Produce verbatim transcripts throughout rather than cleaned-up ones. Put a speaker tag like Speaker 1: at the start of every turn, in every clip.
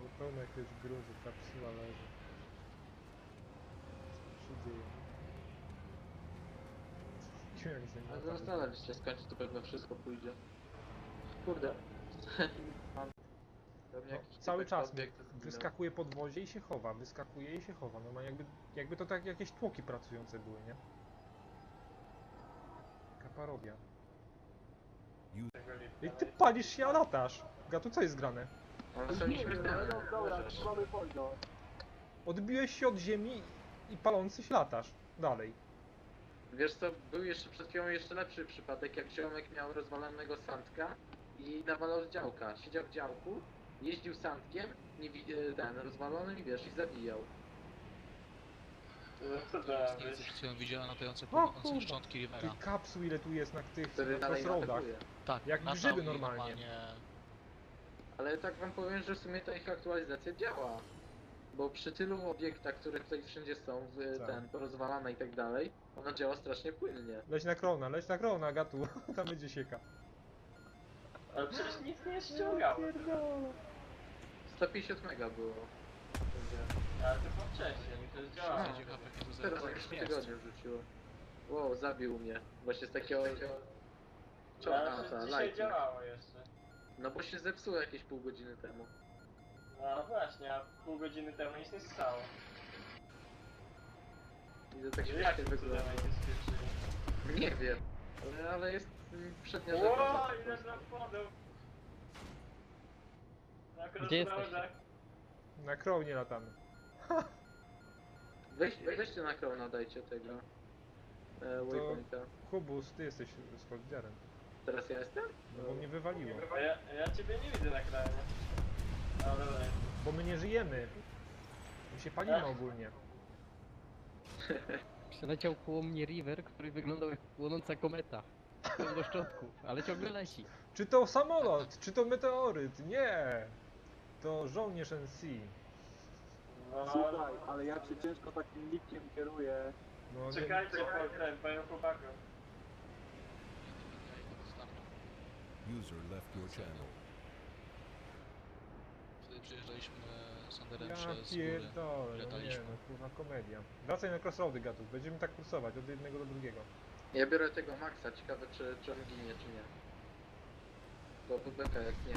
Speaker 1: pełno jakiegoś gruzu, kapsuła leży. Co się dzieje? Nie wiem, jak
Speaker 2: Ale
Speaker 1: się
Speaker 2: zastanawiać się, skończy to pewno wszystko pójdzie. Kurde. Mam pewnie
Speaker 1: no,
Speaker 2: jakiś
Speaker 1: cały
Speaker 2: typek
Speaker 1: czas
Speaker 2: obiekt zginął.
Speaker 1: wyskakuje podwozie i się chowa, wyskakuje i się chowa. No ma jakby, jakby to tak jakieś tłoki pracujące były, nie? Kaparogia. I ty palisz się, a latasz! Gatu, co jest grane?
Speaker 2: Ale są nieśmiertelne.
Speaker 3: No dobra,
Speaker 2: Możesz.
Speaker 3: mamy poziom.
Speaker 1: Odbiłeś się od ziemi i palący się latasz. Dalej.
Speaker 2: Wiesz co, był jeszcze przed chwilą jeszcze lepszy przypadek, jak ziomek miał rozwalonego sandka i nawalał z działka. Siedział w działku, jeździł sandkiem, nie wi- e, ten, rozwalony i wiesz, i zabijał.
Speaker 4: Co to ma
Speaker 5: Nie
Speaker 4: być?
Speaker 5: przed chwilą widziałem latające
Speaker 1: O
Speaker 5: płynące
Speaker 1: kurwa.
Speaker 5: szczątki
Speaker 1: Tych
Speaker 5: Rivera.
Speaker 1: kapsuł ile tu jest na tych
Speaker 2: Wtedy
Speaker 1: na
Speaker 2: dalej
Speaker 1: crossroadach.
Speaker 2: atakuje.
Speaker 5: Tak,
Speaker 1: jak
Speaker 5: latał
Speaker 1: grzyby
Speaker 5: i
Speaker 1: normalnie.
Speaker 2: Ale tak wam powiem, że w sumie ta ich aktualizacja działa. Bo przy tylu obiektach, które tutaj wszędzie są, w,
Speaker 1: Tak.
Speaker 2: ten, porozwalane i tak dalej, ona działa strasznie płynnie.
Speaker 1: Leć na krona, leć na krona, Gatu. Tam będzie sieka.
Speaker 4: Ale przecież nic nie ściągało.
Speaker 2: sto pięćdziesiąt mega było.
Speaker 4: Ale to było wcześniej, mi to już działało.
Speaker 5: Zejdzie H P do
Speaker 2: Teraz
Speaker 5: zera.
Speaker 2: jakieś tygodnie wrzuciło. Wow, zabił mnie. Właśnie z takiego...
Speaker 4: Ale
Speaker 2: Czorna,
Speaker 4: przecież
Speaker 2: ta,
Speaker 4: dzisiaj
Speaker 2: lightning.
Speaker 4: działało jeszcze.
Speaker 2: No bo się zepsuło jakieś pół godziny temu.
Speaker 4: No właśnie, a pół godziny temu nic nie stało.
Speaker 2: I to tak
Speaker 4: Jak
Speaker 2: śmiesznie
Speaker 4: to
Speaker 2: wygląda.
Speaker 4: cudem nie spieprzyli?
Speaker 2: Nie wiem. Ale, ale jest mm, przednia
Speaker 4: Ło,
Speaker 2: rzecz.
Speaker 4: ile tam wpadł! Na
Speaker 6: Gdzie jesteście?
Speaker 4: crossroadach.
Speaker 1: Na kronie latamy.
Speaker 2: Weź, weźcie na krona, dajcie tego. E, waypointa.
Speaker 1: Hubus, ty jesteś z liderem.
Speaker 2: Teraz ja jestem?
Speaker 1: No bo mnie wywaliło.
Speaker 4: A ja, ja ciebie nie widzę na kranie. Ale dobra.
Speaker 1: Bo my nie żyjemy. My się palimy ogólnie.
Speaker 6: Przeleciał koło mnie River, który wyglądał jak płonąca kometa. Pełno szczątków, ale ciągle leci.
Speaker 1: Czy to samolot? Czy to meteoryt? Nie! To żołnierz N C.
Speaker 4: No,
Speaker 3: Słuchaj, ale jak się ciężko takim nikiem kieruje.
Speaker 1: No, nie-
Speaker 4: czekajcie po ten, panią chłopaku.
Speaker 7: User left your channel.
Speaker 5: Wtedy przyjeżdżaliśmy Sanderem
Speaker 1: Ja
Speaker 5: przez góry.
Speaker 1: pierdolę, no nie
Speaker 5: Lataliśmy.
Speaker 1: no, kurwa komedia. Wracaj na crossroady, Gatów, będziemy tak kursować od jednego do drugiego.
Speaker 2: Ja biorę tego Maxa, ciekawe czy, czy on ginie, czy nie. Bo beka jak nie.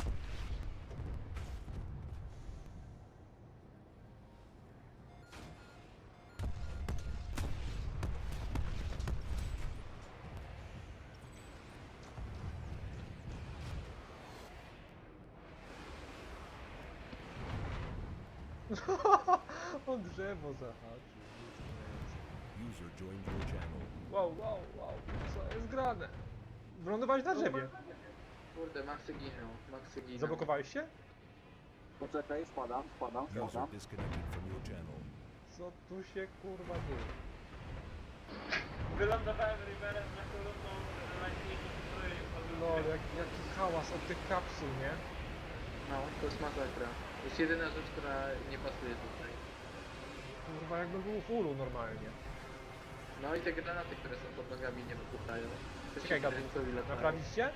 Speaker 1: O drzewo zahaczył.
Speaker 7: User joined your channel.
Speaker 1: Wow, wow, wow, co jest grane? Wylądowałeś na drzewie.
Speaker 2: Kurde, Maxy giną, Maxy giną.
Speaker 1: Zablokowałeś się?
Speaker 3: Poczekaj, spadam, spadam,
Speaker 7: User
Speaker 3: spadam.
Speaker 7: disconnected from your channel.
Speaker 1: Co tu się kurwa dzieje?
Speaker 4: Wylądowałem Riverem na kolumną lightningu, który
Speaker 1: No, jak, jaki hałas od tych kapsuł, nie?
Speaker 2: No, to jest masakra. To jest jedyna rzecz, która nie pasuje tutaj.
Speaker 1: Kurwa, jakbym był w ulu normalnie.
Speaker 2: No i te granaty, które są pod nogami nie wybuchają. To się
Speaker 1: Czekaj, Gabu,
Speaker 2: kręcą i latają.
Speaker 1: naprawić cię?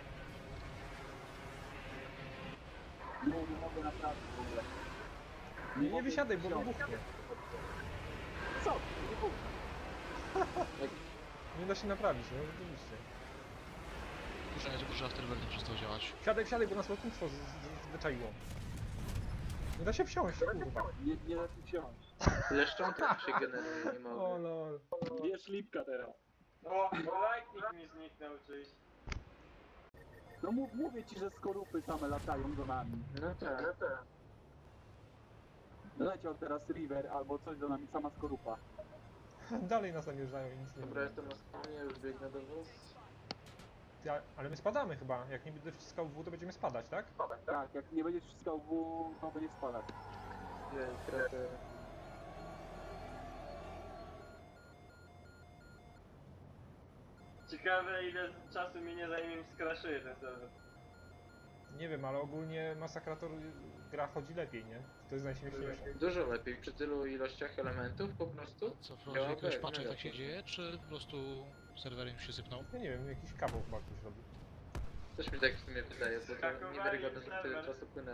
Speaker 3: Nie, nie mogę naprawić w ogóle.
Speaker 1: Nie, nie
Speaker 3: mogę
Speaker 1: wysiadaj, bo
Speaker 3: wsiąść.
Speaker 1: wybuchnie.
Speaker 3: Co? Nie wybuchnie.
Speaker 1: Nie da się naprawić, no rzeczywiście.
Speaker 5: Muszę żeby że Afterburner nie przestał działać.
Speaker 1: Wsiadaj, wsiadaj, bo nas lotnictwo z- z- zwyczaiło. Nie da się wsiąść, kurwa.
Speaker 3: Nie, nie da się wsiąść.
Speaker 2: Tyle szczątek się generuje, nie
Speaker 1: O
Speaker 2: mogę.
Speaker 1: lol.
Speaker 3: Bierz lipka teraz.
Speaker 4: O, bo lightning mi zniknął czyś.
Speaker 3: No mów, mówię ci, że skorupy same latają do nami.
Speaker 2: No tak.
Speaker 3: Leciał teraz River albo coś do nami, sama skorupa.
Speaker 1: Dalej nas namierzają i nic nie
Speaker 2: Dobra,
Speaker 1: robią.
Speaker 2: jestem na stronie, już biegnę do was.
Speaker 1: Ty, a- Ale my spadamy chyba. Jak nie będę wciskał W, to będziemy spadać, tak?
Speaker 3: Tak, jak nie będziesz wciskał W, to będzie spadać.
Speaker 2: Jej, krater.
Speaker 4: Ciekawe ile czasu mi nie zajmie mi skraszuje ten serwer.
Speaker 1: Nie wiem, ale ogólnie Masakrator gra chodzi lepiej, nie? To jest najśmieszniejsze.
Speaker 2: Dużo lepiej, przy tylu ilościach elementów po prostu.
Speaker 5: Co, wprowadził jakiegoś
Speaker 2: Działa
Speaker 5: patcha, jak
Speaker 2: mega
Speaker 5: tak się
Speaker 2: to.
Speaker 5: dzieje, czy po prostu serwer im się sypnął?
Speaker 1: Ja nie wiem, jakiś kawał chyba ktoś robi.
Speaker 2: Coś mi tak w sumie wydaje, bo to
Speaker 4: Skakowali
Speaker 2: niewiarygodne, że tyle
Speaker 4: serwer.
Speaker 2: czasu płynęło.